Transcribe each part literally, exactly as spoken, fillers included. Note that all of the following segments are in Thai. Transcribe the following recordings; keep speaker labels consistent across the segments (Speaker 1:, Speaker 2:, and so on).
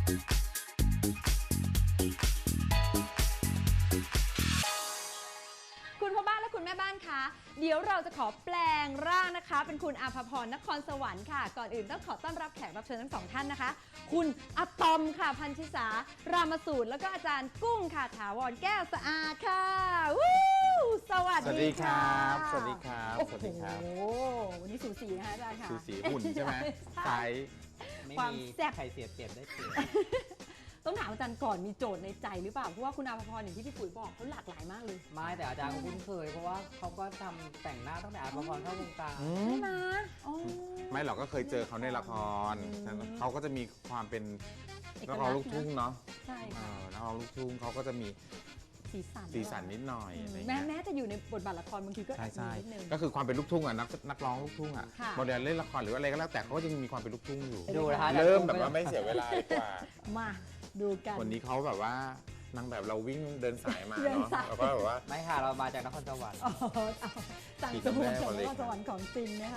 Speaker 1: คุณพ่อบ้านและคุณแม่บ้านคะเดี๋ยวเราจะขอแปลงร่างนะคะเป็นคุณอาภพรนครสวรรค์ค่ะก่อนอื่นต้องขอต้อนรับแขกรับเชิญทั้งสองท่านนะคะคุณอะตอมค่ะพันธิสารามสูตรแล้วก็อาจารย์กุ้งค่ะถาวรแก้วสะอาดค่ะวู้สวัสดีครับ
Speaker 2: สวัสดีครับสวัสดีครับ
Speaker 1: โอ้โหวันนี้สูสีนะคะอาจารย์ค่ะ
Speaker 2: สูสีหุ่นใช่ไหมไซส์
Speaker 3: ไม่
Speaker 1: ความ
Speaker 3: มี
Speaker 1: แซ่บ
Speaker 3: ใครเสียเปรียบได้เปรียบ
Speaker 1: ต้องถามอาจารย์ก่อนมีโจทย์ในใจหรือเปล่าเพราะว่าคุณอาภพรอย่างที่พี่ปุ๋ยบอกเขาหลากหลายมากเลย
Speaker 3: ไม่แต่อาจารย์ก็คุ้นเคยเพราะว่าเขาก็ทำแต่งหน้าตั้งแต่อาภพรเข้าวงการ
Speaker 1: ใช่ไหมอ๋อ
Speaker 2: ไม่หรอกก็เคยเจอเขาในละคร
Speaker 1: อืม
Speaker 2: เขาก็จะมีความเป็น
Speaker 1: เอก
Speaker 2: นัก
Speaker 1: ลั
Speaker 2: ร้
Speaker 1: กษณ์
Speaker 2: องลูกทุ่งเนาะ
Speaker 1: ใช่
Speaker 2: เอ
Speaker 1: ค่ะ
Speaker 2: อนักร้องลูกทุ่งเขาก็จะมี
Speaker 1: สีสัน
Speaker 2: สีสันนิดหน่อยอะไร
Speaker 1: แม้
Speaker 2: เงี้ย
Speaker 1: แม้จะอยู่ในบทบาทละครบางทีก็
Speaker 2: ใช่ใช่
Speaker 1: มีนิดนึง
Speaker 2: ก็คือความเป็นลูกทุ่งอ่ะนักนักร้องลูกทุ่งอ่ะ
Speaker 1: ค่ะ
Speaker 2: โมเดลเล่นละครหรืออะไรก็แล้วแต่เขาก็ยังมีความเป็นลูกทุ่งอยู่
Speaker 3: ดูนะคะ
Speaker 2: เริ่มแบบว่าไม่เสียเวลาดีกว่า
Speaker 1: มาดูกัน
Speaker 2: วันนี้เขาแบบว่านางแบบเราวิ่งเดินสายมา
Speaker 1: เดิน
Speaker 2: เนาะ
Speaker 1: สาย
Speaker 2: แล้วก็แบบว่า
Speaker 3: ไม่ค่ะเรามาจากนครสวรรค์
Speaker 1: อ๋อเอาสั่ง
Speaker 2: สี
Speaker 1: สมุน
Speaker 2: แม่
Speaker 1: จาก
Speaker 2: คนเล็
Speaker 1: น
Speaker 2: ก
Speaker 1: ครสวรรค์ของจริงนะคะ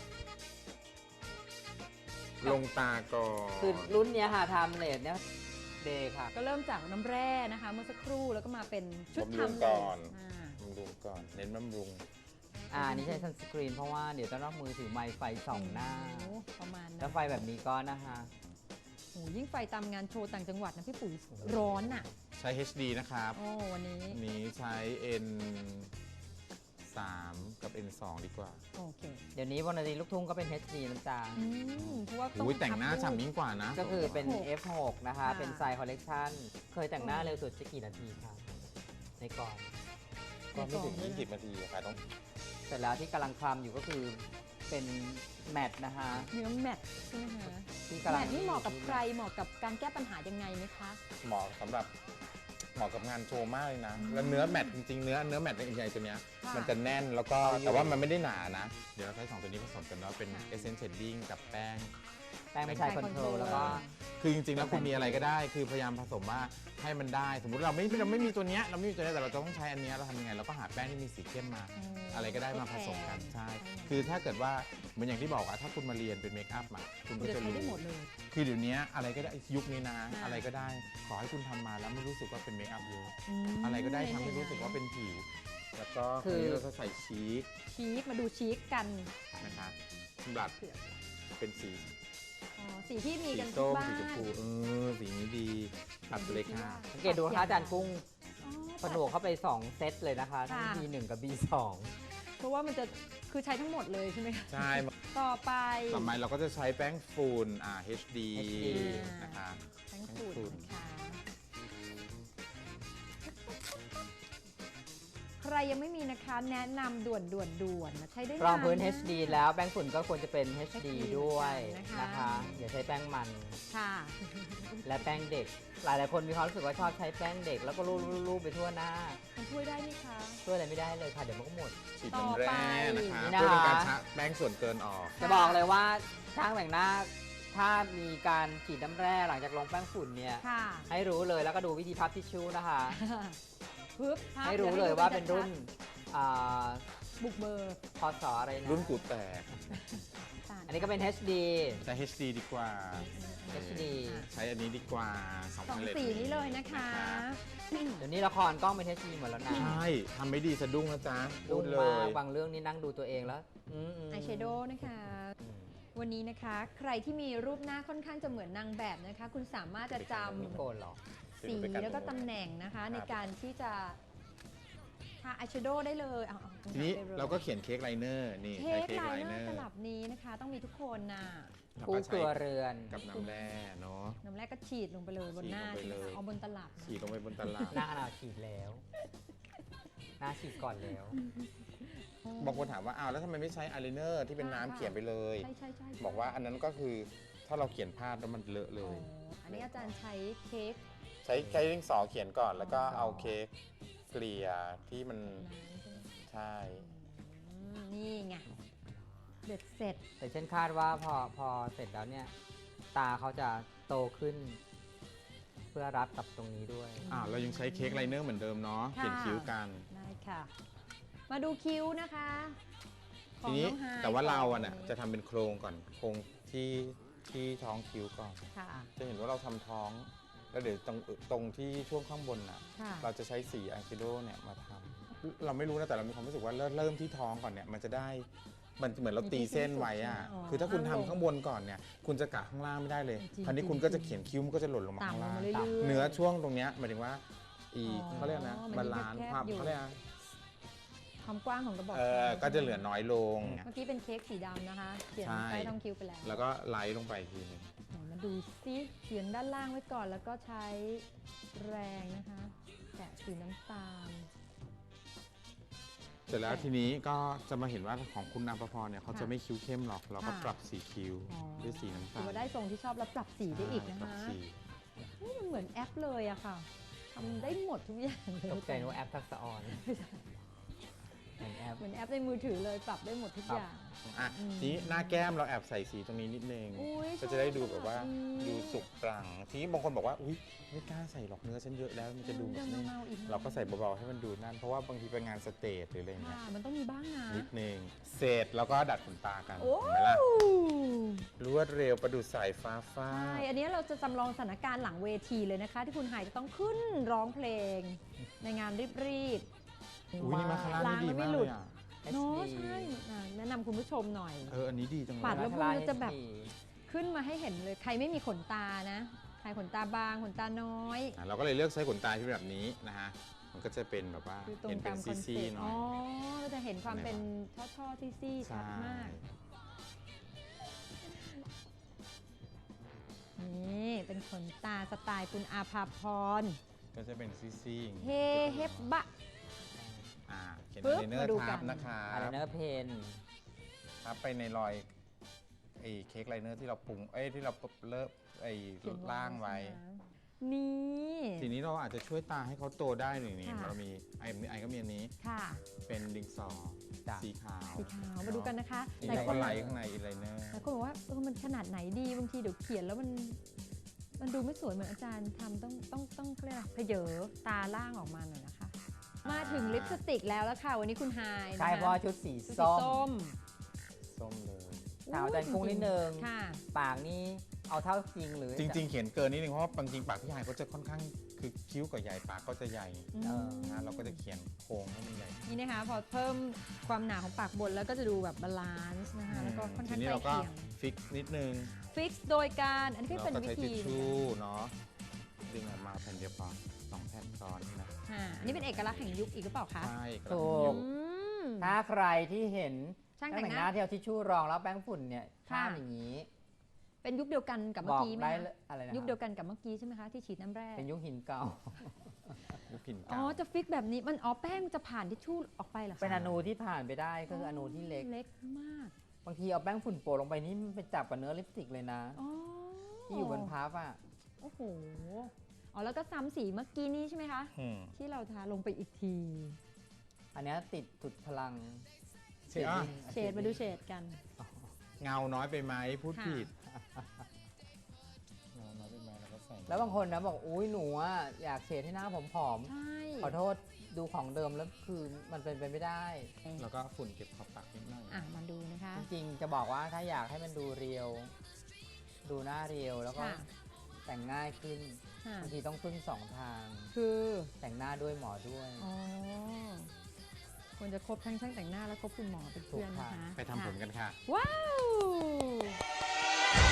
Speaker 2: ลงตาก่อน
Speaker 3: คือรุ่นเนี้ยค่ะทำเลดเนี่ยเดย์ค่ะ
Speaker 1: ก็เริ่มจากน้ำแร่นะคะ เมื่อสักครู่แล้วก็มาเป็นชุด
Speaker 2: บำรุง
Speaker 1: ทำเล
Speaker 2: ก่
Speaker 1: ย
Speaker 2: อน
Speaker 1: อ่า
Speaker 2: บำรุงก่อนเน้นบำรุง
Speaker 3: อ่านี่ใช้ซันสกรีนเพราะว่าเดี๋ยวต้องรับมือถือไมค์ไฟส่องหน้า
Speaker 1: โอ้ประมาณ
Speaker 3: แล้
Speaker 1: นั้
Speaker 3: วน ไฟแบบนี้ก็นะคะ
Speaker 1: โอ้ยิ่งไฟตามงานโชว์ต่างจังหวัดนะพี่ปุ๋ยร้อนอ่ะ
Speaker 2: ใช้ เอช ดี นะครับ
Speaker 1: โอ้วันนี้
Speaker 2: อันนี้ใช้ เอ็น สาม กับ เอ็น สอง ดีกว่า
Speaker 1: โอเค
Speaker 3: เดี๋ยวนี้วรรณดีลูกทุ่งก็เป็น เอช ดี นะจ๊ะ
Speaker 1: อืมเพราะว่าต้อง
Speaker 2: อุ้ยแต่งหน้า
Speaker 1: พับ
Speaker 2: ฉ่ำยิ่งกว่านะ
Speaker 3: ก็คือเป็น
Speaker 1: หก
Speaker 3: เอฟ หก นะคะ
Speaker 1: ค่ะ
Speaker 3: เป็นไซส์คอลเลกชันเคยแต่งหน้าเร็วสุดจะกี่นาทีคะในกล่อง
Speaker 2: ก็ไม่ถึง ยี่สิบ นาทีอะค่ะต้อง
Speaker 3: เสร็จแล้วที่กำลังคลำอยู่ก็คือเป็นแมทนะคะ
Speaker 1: เนื้อแมทใช่ไหมคะ
Speaker 3: ที่
Speaker 1: แม
Speaker 3: กำลัง
Speaker 1: ทนี่เหมาะกับใครเหมาะกับการแก้ปัญหายังไงไหมคะ
Speaker 2: เหมาะสำหรับเหมาะกับงานโชว์มากเลยนะ แล้วเนื้อแมทจริงๆ เนื้อเนื้อแมทใหญ่ๆตัวเนี้ย
Speaker 1: ค่ะ
Speaker 2: มันจะแน่นแล้วก็แต่ว่ามันไม่ได้หนานะ เดี๋ยวเราใช้สองตัวนี้ผสมกันเนาะเป็น
Speaker 1: ค่ะ
Speaker 2: Essence Shading กับแป้ง
Speaker 3: แป้งไม่ใช่คอนโทรลแล้วก็
Speaker 2: คือจริงๆ แล้วคุณมีอะไรก็ได้ คือพยายามผสมว่าให้มันได้ สมมุติเราไม่เราไม่มีตัวเนี้ยเราไม่มีตัวเนี้ยแต่เราจะต้องใช้อันเนี้ยเราทำยังไงเราก็หาแป้งที่มีสีเข้มมา
Speaker 1: อืม
Speaker 2: อะไรก็ได้มาผสมกัน
Speaker 1: ทดแทน
Speaker 2: ใช่
Speaker 1: ใช่
Speaker 2: คือถ้าเกิดว่าเหมือนอย่างที่บอกอะถ้าคุณมาเรียนเป็นเมคอัพอะคุณ
Speaker 1: คุ
Speaker 2: ก็
Speaker 1: ณจะ
Speaker 2: จะ
Speaker 1: ใช้
Speaker 2: รู้
Speaker 1: ได้หมดเลย
Speaker 2: คือเดี๋ยวนี้อะไรก็ได้ยุคนี้นะ
Speaker 1: ค่ะ
Speaker 2: อะไรก็ได้ขอให้คุณทำมาแล้วไม่รู้สึกว่าเป็นเมคอัพเยอะ
Speaker 1: ม
Speaker 2: อะไรก็ได้ทำให้รู้สึกว่าเป็นผิว แล้วก็
Speaker 3: คื
Speaker 2: คือ
Speaker 3: อ
Speaker 2: เราจะใส่ชีส
Speaker 1: ชีคมาดูชีคกัน
Speaker 2: นะคะบลัดเป็นสี
Speaker 1: อ๋อสีที่มี
Speaker 2: สี
Speaker 1: กันทุ
Speaker 2: ส้
Speaker 1: ก
Speaker 2: ม
Speaker 1: บ้าน
Speaker 2: สีชมพูเออสีนี้ดีตัดไปเลยค่ะ
Speaker 3: สังเกตดูนะคะอาจารย์กุ้ง
Speaker 1: อ๋อ
Speaker 3: ผนวกเข้าไป สอง เซตเลยนะคะทั้ง
Speaker 1: ค่ะ
Speaker 3: บี หนึ่ง กับ บี สอง
Speaker 1: เพราะว่ามันจะคือใช้ทั้งหมดเลยใช่ไหมคะ
Speaker 2: ใช่
Speaker 1: ต่อไป
Speaker 2: ต่อไปเราก็จะใช้แป้งฝุ่นอ่า เอช ดี
Speaker 3: เอช ดี
Speaker 2: นะคะ
Speaker 1: แป้งฝุ่นนะคะ ใครยังไม่มีนะคะแนะนำด่วนด่วนด่วนนะใช้ได้
Speaker 3: รองพื้น
Speaker 1: าะ
Speaker 3: เอช ดี แล้วแป้งฝุ่นก็ควรจะเป็น เอช ดี
Speaker 1: เอช ดี
Speaker 3: ด้วย
Speaker 1: นะคะ
Speaker 3: นะคะ อย่าใช้แป้งมัน
Speaker 1: ค่ะ
Speaker 3: และแป้งเด็ก หลายหลายๆคนมีความรู้สึกว่าชอบใช้แป้งเด็ก แล้วก็รูปๆๆไปทั่วหน้า
Speaker 1: มันช่วยได้ไหมคะ
Speaker 3: ช่วยอะไรไม่ได้เลยค่ะ เดี๋ยวมันก็หมด
Speaker 2: ฉีดน้ำแร่นะคะ
Speaker 3: ต่อไป
Speaker 2: เพื่อเป็นการชะแป้งส่วนเกินออก
Speaker 3: จะบอกเลยว่าช่างแต่งหน้าถ้ามีการฉีดน้ำแร่หลังจากลงแป้งฝุ่นเนี่ย
Speaker 1: ค่ะ
Speaker 3: ให้รู้เลยแล้วก็ดูวิธีพับทิชชู่นะคะ
Speaker 1: ปึ๊บภาพ
Speaker 3: ให้รู้เลยว่าเป็นรุ่น
Speaker 1: ชัด
Speaker 3: อ่า
Speaker 1: ๆบุกเบอร์
Speaker 3: พศอะไรนะ
Speaker 2: รุ่นกูแตก
Speaker 3: อันนี้ก็เป็น เอช ดี
Speaker 2: ใช้ เอช ดี ดีกว่า
Speaker 3: เอช ดี
Speaker 2: ใช้อันนี้ดีกว่าสอง
Speaker 1: สอง
Speaker 2: พัน
Speaker 1: สีนี้เลยนะคะ
Speaker 3: เดี๋ยวนี้ละครกล้องเป็น เอช ดี หมดแล้วนะ
Speaker 2: ใช่ทำไม่ดีสะดุ้งนะจ๊ะพู
Speaker 3: รุ่
Speaker 2: ด
Speaker 3: น
Speaker 2: เล
Speaker 3: มาก
Speaker 2: ย
Speaker 3: บางเรื่องนี่นั่งดูตัวเองแล้วอืมๆ
Speaker 1: อายแชโดว์นะคะ
Speaker 3: อืม
Speaker 1: วันนี้นะคะใครที่มีรูปหน้าค่อนข้างจะเหมือนนางแบบนะคะ คุณสามารถจะจ
Speaker 3: ไม่โกนหรอก
Speaker 1: ำสีแล้วก็ตำแหน่งนะคะ ในการที่จะทาอายแชโดว์ได้เลยเอาๆ
Speaker 2: ทีนี้
Speaker 1: ได้ลย
Speaker 2: เราก็เขียนเค้กไลเนอร์นี่
Speaker 1: เค้
Speaker 2: ใช้
Speaker 1: ก
Speaker 2: เค้ก
Speaker 1: ไล
Speaker 2: ไล
Speaker 1: เน
Speaker 2: เน
Speaker 1: อ
Speaker 2: อ
Speaker 1: ร์
Speaker 2: ร์
Speaker 1: ตลับนี้นะคะ ต้องมีทุกคนน่ะ
Speaker 2: แล้ว
Speaker 3: คู่
Speaker 2: ก็
Speaker 3: ค
Speaker 2: ใช้
Speaker 3: รัวเรือน
Speaker 2: กับน้ำแร่เนาะ
Speaker 1: น้ำแรกก็ฉีดลงไปเลยบนหน้า
Speaker 2: ฉีดลงไปเลย
Speaker 1: เอาบนตลับนะ
Speaker 2: ฉีดลงไปบนตลาด
Speaker 3: หน้าเราฉีดแล้ว หน้าฉีดก่อนแล้ว
Speaker 2: บางคนถามว่าอ้าวแล้วทำไมไม่ใช้อายไลเนอร์ที่เป็นน้ำเขียนไปเลย
Speaker 1: ใช่ใช่ใช่
Speaker 2: บอกว่าอันนั้นก็คือถ้าเราเขียนพลาดแล้วมันเลอะเล
Speaker 1: อ๋อย อันนี้อาจารย์ใช้เค้ก
Speaker 2: ใช้ใช้ดินสอเขียนก่อนแล้วก็
Speaker 1: ดินสอ
Speaker 2: เอาเค้กเกลี่ยที่มัน
Speaker 1: น้ำใช่ไหม
Speaker 2: ใช่
Speaker 1: อืมนี่ไงเด็ดเสร็จ
Speaker 3: แต่เช่นคาดว่าพอพอเสร็จแล้วเนี่ย ตาเขาจะโตขึ้น เพื่อรับกับตรงนี้ด้วย
Speaker 2: อ่าเรายังใช้เค้กไลเนอร์เหมือนเดิมเนาะ
Speaker 1: ค่ะ
Speaker 2: เขียนคิ้วกัน
Speaker 1: ได้ค่ะ มาดูคิ้วนะคะ
Speaker 2: ทีนี้
Speaker 1: ขององไฮ
Speaker 2: แต่ว่าเรา
Speaker 1: ก่
Speaker 2: อ่ะน่ะจะทำเป็นโครงก่อนโครงที่ที่ท้องคิ้วก่อน
Speaker 1: ค่ะ
Speaker 2: จะเห็นว่าเราทำท้อง แล้วเดี๋ยวตรงตรงที่ช่วงข้างบนน่ะ
Speaker 1: ค่ะ
Speaker 2: เราจะใช้สีอะคิโดเนี่ยมาทำเราไม่รู้นะแต่เรามีความรู้สึกว่าเริ่มเริ่มที่ท้องก่อนเนี่ยมันจะได้มันเหมือนเราตีเส้นไว้อะ
Speaker 1: อ๋อ
Speaker 2: คือถ้าคุณทำ
Speaker 1: ลง
Speaker 2: ข้างบนก่อนเนี่ยคุณจะกะข้างล่างไม่ได้เลย
Speaker 1: จริง
Speaker 2: คราวนี้
Speaker 1: จริง
Speaker 2: คุณก็จะ
Speaker 1: จริง
Speaker 2: เขียนคิ้วมันก็จะหล่นลงมาข้าง
Speaker 1: ต่ำลง
Speaker 2: ล่าง
Speaker 1: มาเรื่อยๆ
Speaker 2: เนื้อช่วงตรงเนี้ยหมายถึงว่าอี
Speaker 1: อ๋อ
Speaker 2: เขาเรียกนะ
Speaker 1: มัน
Speaker 2: บาลานซ์
Speaker 1: แคบๆ
Speaker 2: ความ
Speaker 1: อยู่
Speaker 2: เขาเรียกนะ
Speaker 1: ความกว้างของกระบอก
Speaker 2: เออก็จะเหลือน้อยลง
Speaker 1: เมื่อกี้เป็นเค้กสีดำนะคะเขียน
Speaker 2: ใช่
Speaker 1: ใต้ท้องคิ้วไปแล้ว
Speaker 2: แล้วก็ไล่ลงไปอีกทีหนึง
Speaker 1: ไหนมาดูซิเขียนด้านล่างไว้ก่อนแล้วก็ใช้แรงนะคะแตะสีน้ำตาล
Speaker 2: เสร็จแล้วทีนี้ก็จะมาเห็นว่าของคุณอัมพพรเนี่ยเขาจะ
Speaker 1: ค่ะ
Speaker 2: ไม่คิ้วเข้มหรอก เราก็
Speaker 1: ค่ะ
Speaker 2: ปรับสีคิ้ว
Speaker 1: อ๋อ
Speaker 2: ด้วยสีน้ำ
Speaker 1: ถื
Speaker 2: ตา
Speaker 1: อ
Speaker 2: ล
Speaker 1: ว่าได้ทรงที่ชอบแล้วปรับสีได้อีกนะ
Speaker 2: ปรับ
Speaker 1: คะ
Speaker 2: สี
Speaker 1: เฮ้ยมันเหมือนแอปเลยอะค่ะทำได้หมดทุกอย่างเลย
Speaker 3: ตกใจนึกว่าแอปทักษะออนเหมือนแอป
Speaker 1: เหมือนแอปในมือถือเลยปรับได้หมดทุก
Speaker 3: ครับ
Speaker 1: อย่าง
Speaker 2: อ่ะ
Speaker 1: อืม
Speaker 2: ทีนี้หน้าแก้มเราแอบใส่สีตรงนี้นิดนึง
Speaker 1: อุ๊ย
Speaker 2: ก็จะได้ดูแบบว่า
Speaker 1: ชอบ
Speaker 2: ดู
Speaker 1: อืม
Speaker 2: สุกปรังทีนี้บางคนบอกว่าอุ้ยไม่กล้าใส่หรอกเนื้อฉันเยอะแล้วมันจะดูแบบ
Speaker 1: เดี๋ยว
Speaker 2: นี้
Speaker 1: เมาๆอีกนะ
Speaker 2: เราก็ใส่เบาๆให้มันดูนั่นเพราะว่าบางทีไปงานสเตจหรืออะไรเงี้
Speaker 1: ค่ะ
Speaker 2: ย
Speaker 1: มันต้องมีบ้างนะ
Speaker 2: นิดนึงเสร็จแล้วก็ดัดขนตากัน
Speaker 1: โอ้
Speaker 2: เห็นไหมล่ะรวดเร็วประดุจสายฟ้าฟา
Speaker 1: ใช่
Speaker 2: ด
Speaker 1: อันนี้เราจะจำลองสถานการณ์หลังเวทีเลยนะคะ ที่คุณหายจะต้องขึ้นร้องเพลง ในงานรีบๆ
Speaker 2: อุ้ยนี่มาคาร่า
Speaker 1: ล้าง
Speaker 2: นี่ดี
Speaker 1: แล้วไม่
Speaker 2: มาก
Speaker 1: หลุ
Speaker 2: เล
Speaker 1: ด
Speaker 2: ยอ่ะ
Speaker 1: เนาะ
Speaker 3: เอส ดี
Speaker 1: ใช่อ่ะแนะนำคุณผู้ชมหน่อย
Speaker 2: เอออันนี้ดีจังเล
Speaker 1: ปัด
Speaker 2: ย
Speaker 1: แล้ว
Speaker 3: มาคาร่า
Speaker 1: พวกนี้จะแบบ
Speaker 3: เอชดี
Speaker 1: ขึ้นมาให้เห็นเลย ใครไม่มีขนตานะ ใครขนตาบาง ขนตาน้อย
Speaker 2: อ่ะเราก็เลยเลือกใช้ขนตาที่แบบนี้นะฮะมันก็จะเป็นแบบว่า
Speaker 1: คือตร
Speaker 2: เห็
Speaker 1: ง
Speaker 2: นเป็
Speaker 1: ตาน มคอนเซ็
Speaker 2: ซี่
Speaker 1: ป
Speaker 2: ๆ
Speaker 1: ต์
Speaker 2: หน่
Speaker 1: อ๋
Speaker 2: อ
Speaker 1: อย เราจะเห็นความเป็นช่อๆซี่ๆชัดมาก นี่เป็นขนตาสไตล์คุณอาภาพร
Speaker 2: ก็จะเป็นซี่ๆอย่าง
Speaker 1: เฮ
Speaker 2: นี้
Speaker 1: เฮบะ
Speaker 2: อ่าเขียน
Speaker 1: ปึ๊บ
Speaker 2: ไอเนอ
Speaker 1: มา
Speaker 2: ร์
Speaker 1: ดู
Speaker 2: ทับ
Speaker 1: กัน
Speaker 2: นะคะ
Speaker 3: อะไรเนอร์เพน
Speaker 2: ทับไปในรอยไอ้เค้กไลเนอร์ที่เราปรุงเอ้ยที่เราเลิกไอ้
Speaker 1: เขียน
Speaker 2: ล่างไว้
Speaker 1: ใช่หมนี่
Speaker 2: ทีนี้เราอาจจะช่วยตาให้เขาโตได้หนึ่งนี่
Speaker 1: ค่ะ
Speaker 2: เรามีไอ้ไอ้ก็มีอันนี้
Speaker 1: ค่ะ
Speaker 2: เป็นดิงสอ
Speaker 3: จ้ะ
Speaker 2: สีขาว
Speaker 1: สีขาวมาดูกันนะคะ
Speaker 2: นี่
Speaker 1: หลาย
Speaker 2: เรา
Speaker 1: ค
Speaker 2: ก็
Speaker 1: น
Speaker 2: ไลท์ข้างในอีไลเนอร์
Speaker 1: หลายคนบอกว่าเออมันขนาดไหนดีบางทีเดี๋ยวเขียนแล้วมัน มันดูไม่สวยเหมือนอาจารย์ทำต้องต้องต้องเรียกอะไรเพเยอตาล่างออกมาหน่อยนะคะ มาถึงลิปสติกแล้วแล้วค่ะ วันนี้คุณไฮายนะคะ
Speaker 3: ใช่เพราะว่าชุดสี
Speaker 1: ชุดสี
Speaker 3: ส้ม
Speaker 1: ส้ม
Speaker 2: ส้มเลย
Speaker 3: ถามอาจารย์กุ้งนิดนึง
Speaker 1: ค่ะ
Speaker 3: ปากนี่เอาเท่าจริงหรือ
Speaker 2: จริง ๆ เขียนเกินนิดนึงเพราะว่าบางจริงปากพี่ชายก็จะค่อนข้างคือคิ้วกับใหญ่ปากก็จะใหญ่
Speaker 3: เออ
Speaker 2: นะเราก็จะเขียนโค้งให้มันใหญ่
Speaker 1: นี่นะคะพอเพิ่มความหนาของปากบนแล้วก็จะดูแบบบาลานซ์นะคะแล้วก็ค่อน
Speaker 2: ที
Speaker 1: ข้าง
Speaker 2: นี้
Speaker 1: ใกล้
Speaker 2: เราก็
Speaker 1: เคียง
Speaker 2: ฟิกนิดนึง
Speaker 1: ฟิกซ์โดยการอันนี้ก็
Speaker 2: เรา
Speaker 1: เป็น
Speaker 2: ก็
Speaker 1: วิ
Speaker 2: ใช้
Speaker 1: ธี
Speaker 2: ทิชชู่เนาะดึงออกมาแผ่นเดียวพอสองแผ่นซ้อนนะ
Speaker 1: ค่ะอันนี้เป็นเอกลักษณ์แห่งยุคอีกหรือเปล่าคะ
Speaker 2: ใช่
Speaker 3: ถู
Speaker 2: ก
Speaker 3: ก
Speaker 1: อืม
Speaker 3: ถ้าใครที่เห็น
Speaker 1: ช่าง
Speaker 3: ช่าง
Speaker 1: แต่
Speaker 3: แต่
Speaker 1: ง
Speaker 3: ง
Speaker 1: ห
Speaker 3: ห
Speaker 1: น้า
Speaker 3: น้าที่เอาทิชชู่รองแล้วแป้งฝุ่นเนี่ย
Speaker 1: ค่ะ
Speaker 3: ข้ามอย่างนี้
Speaker 1: เป็นยุคเดียวกันกับ
Speaker 3: บ
Speaker 1: เมื่อ
Speaker 3: อก
Speaker 1: กี้ไหม
Speaker 3: ได้
Speaker 1: คะ
Speaker 3: เลยอะไรนะ
Speaker 1: ยุคเดียวกันกับเมื่อกี้ใช่ไหมคะที่ฉีดน้ำแร่
Speaker 3: เป็นยุคหินเก่า
Speaker 2: ยุคหิน
Speaker 1: อ๋อ
Speaker 2: เก่า
Speaker 1: จะฟิกแบบนี้มันอ๋อแป้งจะผ่านทิชชู่ออกไปเหรอคะ
Speaker 3: เป็นอนูที่ผ่านไปได้ก็คืออนูที่เล็ก
Speaker 1: เล็กมาก
Speaker 3: บางทีเอาแป้งฝุ่นโปะลงไปนี่มันไปจับกับเนื้อลิปสติกเลยนะ
Speaker 1: อ๋อ
Speaker 3: ที่อยู่บนพับอ่ะ
Speaker 1: โอ้โหอ๋อแล้วก็ซ้ำสีเมื่อกี้นี้ใช่ไหมคะ
Speaker 2: อืม
Speaker 1: ที่เราทาลงไปอีกที
Speaker 3: อันเนี้ยติดสุดพลัง
Speaker 2: เชดอ่ะ
Speaker 1: เฉดมาดูเฉดกัน
Speaker 2: เงาน้อยไปไหมพูด
Speaker 1: ค่ะ
Speaker 2: ผิดเงาน้อยไปไหมเราก็ใส่
Speaker 3: แล้วบางคนนะบอกอุ้ยหนูอ่ะอยากเฉดให้หน้าผมผอม
Speaker 1: ใช่
Speaker 3: ขอโทษดูของเดิมแล้วคือมันเป็นไปไม่ได้
Speaker 2: แล้วก็ฝุ่นเก็บขอบปากนิดหน่อย
Speaker 1: อ่ะมาดูนะคะ
Speaker 3: จริงๆจะบอกว่าถ้าอยากให้มันดูเรียว ดูหน้าเรียวแล้วก็
Speaker 1: ค่ะ
Speaker 3: แต่งง่ายขึ้น
Speaker 1: ค่ะ
Speaker 3: บางทีต้องพึ่งสองทาง
Speaker 1: คือ
Speaker 3: แต่งหน้าด้วยหมอด้วย
Speaker 1: อ๋อควรจะครบทั้งช่างแต่งหน้าและครบคุณหมอเป็นเพื่อนนะคะ
Speaker 2: ไปทำผมกันค่ะ
Speaker 1: ว้าว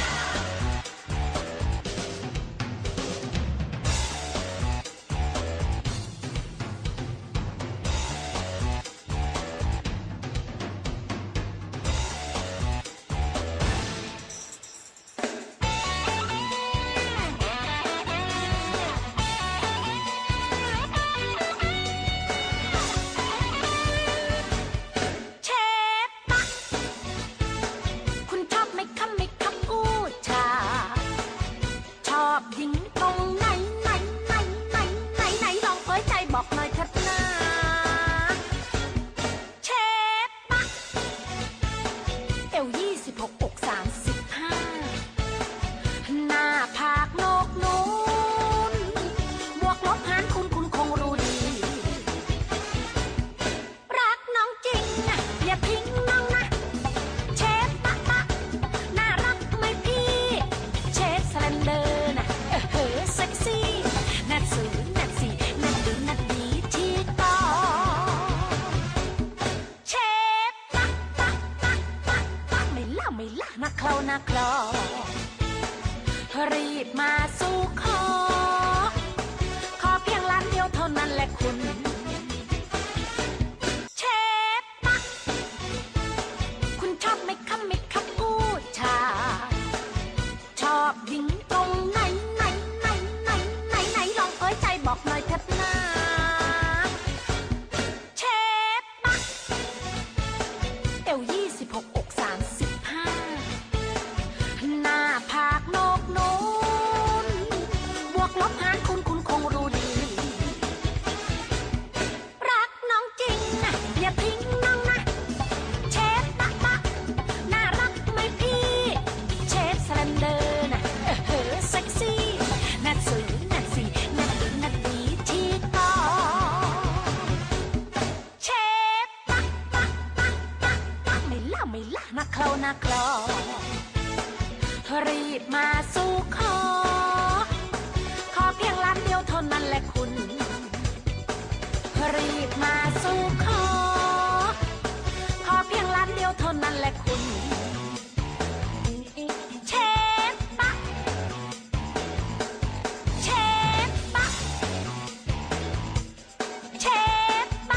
Speaker 4: นาคลอรีบมาสู่ขอขอเพียงล้านเดียวเท่านั้นแหละคุณเชฟปะคุณชอบไหมคะไหมคะผู้ชายชอบหญิงตรงไหนไหนไหนไหนไหนไหนลองเผยใจบอกหน่อยเถิดนะเชฟปะเอวยี่สิบหกอกสามสิบห้าหน้าผากโนกโน้นบวกลบหารคุณคุณคงรู้ดีรักน้องจริงนะอย่าทิ้งน้องนะเชฟปะปะน่ารักไหมพี่เชฟสแลนเดอร์นะเออเฮ้อเซ็กซี่น่าสวยน่าสีน่าดีน่าดีที่ต่อเชฟปะปะปะปะปะไม่ล่าไม่ล่านะเคลานะเคลารีบมาสู่ขอขอเพียงล้านเดียวเท่านั้นแหละคุณรีบมาสู่ขอขอเพียงล้านเดียวเท่านั้นแหละคุณเชฟปะเชฟปะเชฟปะ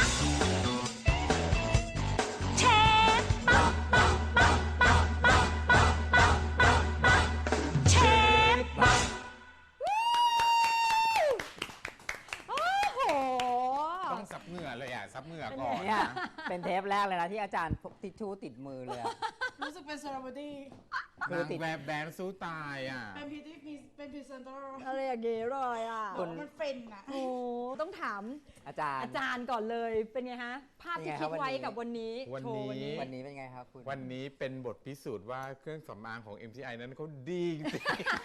Speaker 4: เชฟปะปะปะปะปะปะปะปะปะเชฟปะ
Speaker 1: โอ้โห
Speaker 2: ต้องซับเหงื่อเลยอ่ะซับเหงื่อก่อน
Speaker 3: เนี่ย
Speaker 2: นะ
Speaker 3: เป็นเทปแรกเลยนะที่อาจารย์พกทิชชู่ติดมือเลยอะ
Speaker 5: รู้สึกเป็นเซเลบริตี้
Speaker 3: คือติด
Speaker 2: นางแบบแบรนด์สู้ตายอ่ะ
Speaker 5: เป็นพีที่มีเป็นพรีเซนเตอร์
Speaker 1: อะไรอย่างเงี้ยเลยอ่ะ
Speaker 3: คุณ
Speaker 5: มันเป็นอะ
Speaker 1: โอ้ต้องถาม
Speaker 3: อาจารย์
Speaker 1: อาจารย์ก่อนเลยเป็นไงฮะ ภาพที่
Speaker 3: เป็นไงค
Speaker 1: คิ
Speaker 3: รับ
Speaker 1: ดไว้
Speaker 3: วันนี้
Speaker 1: กับวันนี้
Speaker 2: วัน
Speaker 1: โชว์
Speaker 2: นี้
Speaker 3: วันนี้เป็นไงครับคุณ
Speaker 2: วันนี้เป็นบทพิสูจน์ว่าเครื่องสำอางของ เอ็ม ที ไอ นั้นเขาดีจริง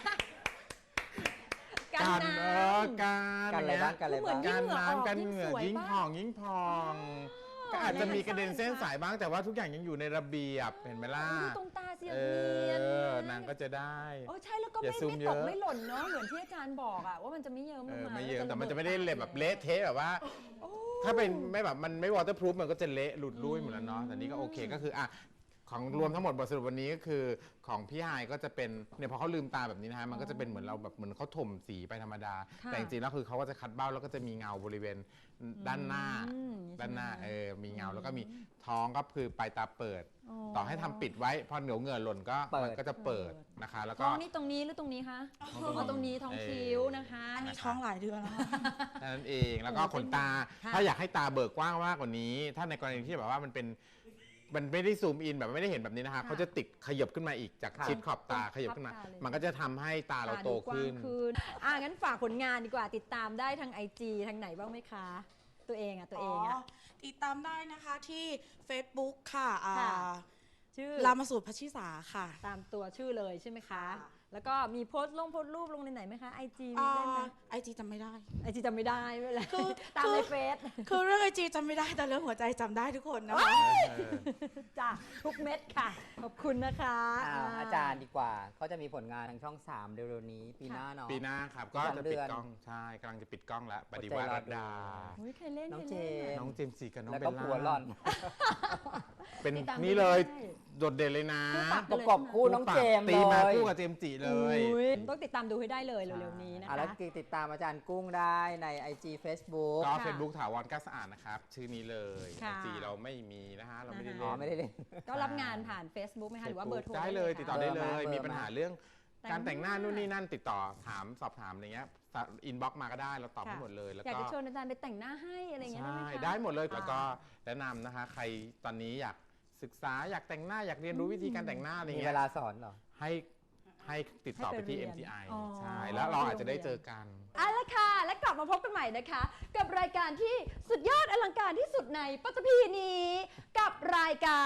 Speaker 1: กั
Speaker 2: ๆ
Speaker 1: น
Speaker 2: การ
Speaker 1: น้
Speaker 2: เออการ
Speaker 3: กันอะไรบ้างกันอะไรบ้าง
Speaker 1: ยิ่
Speaker 2: กาง ร
Speaker 1: เหงื่อออก
Speaker 2: น้ำกัน
Speaker 1: ยิ่ง
Speaker 2: เหงื่อ
Speaker 1: สวย
Speaker 2: ยิ่ง
Speaker 1: ปะ
Speaker 2: ผ่องยิ่งพอง ก็อาจจะมีกระเด็นเส้นสายบ้างแต่ว่าทุกอย่างยังอยู่ในระเบียบเห็นไหมล่ะ
Speaker 1: ดูตรงตาเสีย
Speaker 2: เอ
Speaker 1: เนียน
Speaker 2: อนางก็จะได้
Speaker 1: โอ้ใช่แล้วก็
Speaker 2: อย่า
Speaker 1: ไม่
Speaker 2: ซูม
Speaker 1: ไม่
Speaker 2: เย
Speaker 1: ต
Speaker 2: อะ
Speaker 1: กไม่หล่นเนาะเหมือนที่อาจารย์บอกอะว่ามันจะไม่เยิ้ม
Speaker 2: เอ
Speaker 1: ลง
Speaker 2: อ
Speaker 1: มา
Speaker 2: ไม่เยอะ
Speaker 1: จะ
Speaker 2: แต่มันจะ
Speaker 1: ระ
Speaker 2: ไม่
Speaker 1: บิ
Speaker 2: ได้
Speaker 1: ตา
Speaker 2: เละแบบ
Speaker 1: อยู่
Speaker 2: เละเทะแบบว่า
Speaker 1: โอ้
Speaker 2: ถ้าเป็นไม่แบบมันไม่วอเตอร์พรูฟมันก็จะเละหลุดลุ่ยหมดแล้วเนาะแต่นี่ก็โอเคก็คืออ่ะของรวมทั้งหมดบทสรุปวันนี้ก็คือของพี่ไฮายก็จะเป็นเนี่ยพอเขาลืมตาแบบนี้นะฮะมันก็จะเป็นเหมือนเราแบบเหมือนเขาถมสีไปธรรมดา
Speaker 1: ค่ะ
Speaker 2: แต่จริงๆแล้วคือเขาก็จะคัดเบ้าแล้วก็จะมีเงาบริเวณด้านหน้า
Speaker 1: อืม
Speaker 2: ด้านหน้า
Speaker 1: ใช่ไหม
Speaker 2: เออมีเงาแล้วก็มีท้องก็คือปลายตาเปิด
Speaker 1: อ๋อ
Speaker 2: ต่อให้ทำปิดไว้พอเหนียวเหงื่อหล่นก็
Speaker 3: เปิด
Speaker 2: มันก็จะเปิดนะคะ แล้ว
Speaker 1: ท้
Speaker 2: ก็
Speaker 1: องนี่ตรงนี้หรือตรงนี้คะอ๋อตรงนี้ท้องคิ้วนะคะ
Speaker 5: อันนี้ท้องหลายเดือนแล้ว
Speaker 2: นั่นเองแล้วก็ขนตา
Speaker 1: ค่ะ
Speaker 2: ถ้าอยากให้ตาเบิกกว้างมากกว่านี้ ถ้าในกรณีที่แบบว่ามันเป็นมันไม่ได้ซูมอินแบบไม่ได้เห็นแบบนี้นะคะ
Speaker 1: ค่ะ
Speaker 2: เขาจะติดขยับขึ้นมาอีกจาก
Speaker 3: ค่ะ
Speaker 2: ชิดขอบตาขยับขึ้นมา
Speaker 1: ขอบตาเลย
Speaker 2: มันก็จะทำให้ตาเราโต
Speaker 1: ดูกว้า
Speaker 2: ขึ้
Speaker 1: ง
Speaker 2: น
Speaker 1: ขึ้นอ่ะงั้นฝากผลงานดีกว่าติดตามได้ทาง ไอ จี ทางไหนบ้างไหมคะ ตัวเองอ่ะตัวเองอ่ะ
Speaker 5: ติดตามได้นะคะที่ Facebook ค่ะอ่า
Speaker 1: ค่ะ ชื่อ
Speaker 5: รามาสูตรพัชชิสาค่ะ
Speaker 1: ตามตัวชื่อเลยใช่ไหมคะ
Speaker 5: ค่ะ
Speaker 1: แล้วก็มีโพสต์ลงโพสต์รูปลงในไหนไหมคะ ไอ จี มีเล่นไหม
Speaker 5: ไอจีจำไม่ได้
Speaker 1: ไอจีจำไม่ได้ไม่เป็นไร
Speaker 5: คือ
Speaker 1: ตามในเฟซ
Speaker 5: คือเรื่องไอจีจำไม่ได้แต่เรื่องหัวใจจำได้ทุกคนนะคะ
Speaker 1: จ้ะทุกเม็ดค่ะ ขอบคุณนะคะ
Speaker 3: อ้าวอาจารย์ดีกว่าก็จะมีผลงานทางช่องสามเร็วๆนี้ปีหน้าเนาะ
Speaker 2: ปีหน้าครับ ก็
Speaker 3: อีกสอง
Speaker 2: จะ
Speaker 3: เดื
Speaker 2: ปิด
Speaker 3: อน
Speaker 2: กล้องใช่กำลังจะปิดกล้องแล้วปฏิ
Speaker 3: อดใจ
Speaker 2: วัติ
Speaker 3: รอ
Speaker 2: รัต
Speaker 3: ดู
Speaker 2: ดา
Speaker 1: โอ้ยใครเล่น
Speaker 3: น้อง
Speaker 1: ใครเล่น
Speaker 3: เจ
Speaker 1: อะ
Speaker 2: น้องเจมส์จีกับน้อง
Speaker 3: แล้ว
Speaker 2: เบ
Speaker 3: ก็
Speaker 2: ลล่า
Speaker 3: ผัวหล่อน
Speaker 2: เป็น
Speaker 1: ติดตาม
Speaker 2: นี่เลย
Speaker 1: ได้
Speaker 2: โดดเด่นเลยนะ
Speaker 1: คู่ปรับ
Speaker 3: ประกอบคู่น้องเจมส์
Speaker 2: ตีมา
Speaker 3: เลย
Speaker 2: คู่กับเจมส์จีเลย
Speaker 1: อุ๊ยต้องติดตามดูให้ได้เลยเร็วๆนี้นะ
Speaker 3: อ่ะ
Speaker 1: คะ
Speaker 3: แล้วติดตามอาจารย์กุ้งได้ใน ไอ จี Facebook
Speaker 2: ก็
Speaker 1: ค่ะ
Speaker 2: เฟซบุ๊กถาวรกล้าสะอาดนะครับ ชื่อนี้เลย
Speaker 1: ค่ะ
Speaker 2: จีเราไม่มีนะฮะ เราไม่ได้
Speaker 1: นะคะ
Speaker 2: เล่
Speaker 3: อ๋อน ไม่ได้เล่น
Speaker 1: ก็รับงานผ่าน Facebook ไหมคะหรือว่าเบอร์โทร
Speaker 2: ได้เลย ติดต่อได้เล
Speaker 3: เบอร์
Speaker 2: ย
Speaker 3: มา
Speaker 2: มีปัญหาเรื่อง
Speaker 1: แต่ง
Speaker 2: การแต่งหน้า
Speaker 1: หน้า
Speaker 2: นู่นนี่นั่นติดต่อถามสอบถามอะไรเงี้ยอินบ็อกมาก็ได้เราตอบให้หมดเลยแล้ว
Speaker 1: อยาก
Speaker 2: ก็
Speaker 1: จะชวนอาจารย์ไปแต่งหน้าให้อะไรอย่างเงี้ยได้ไหม
Speaker 2: ใช่
Speaker 1: คะ
Speaker 2: ได้หมดเลย
Speaker 1: อ่า
Speaker 2: แล้วก็แนะนำนะคะ ใครตอนนี้อยากศึกษาอยากแต่งหน้าอยากเรียนรู้วิธีการแต่งหน้าอะไร
Speaker 3: มี
Speaker 2: เงี้
Speaker 3: เวย ลาสอนเหรอ
Speaker 2: ให้ให้ติดต่อไปที่
Speaker 1: ให้
Speaker 2: เอ็
Speaker 1: ไป
Speaker 2: ม
Speaker 1: เรี
Speaker 2: ที
Speaker 1: ยน
Speaker 2: ไอ
Speaker 1: อ๋อ
Speaker 2: ใช่แล้วเราอาจจะได้เจอกัน
Speaker 1: เอาละค่ะ และกลับมาพบกันใหม่นะคะ กับรายการที่สุดยอดอลังการที่สุดในปัตตภีนี้ กับรายการ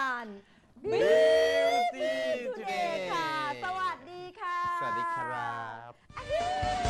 Speaker 2: Beauty
Speaker 1: Today ค่ะ สวัสดีค่ะ
Speaker 2: สวัสดีครับ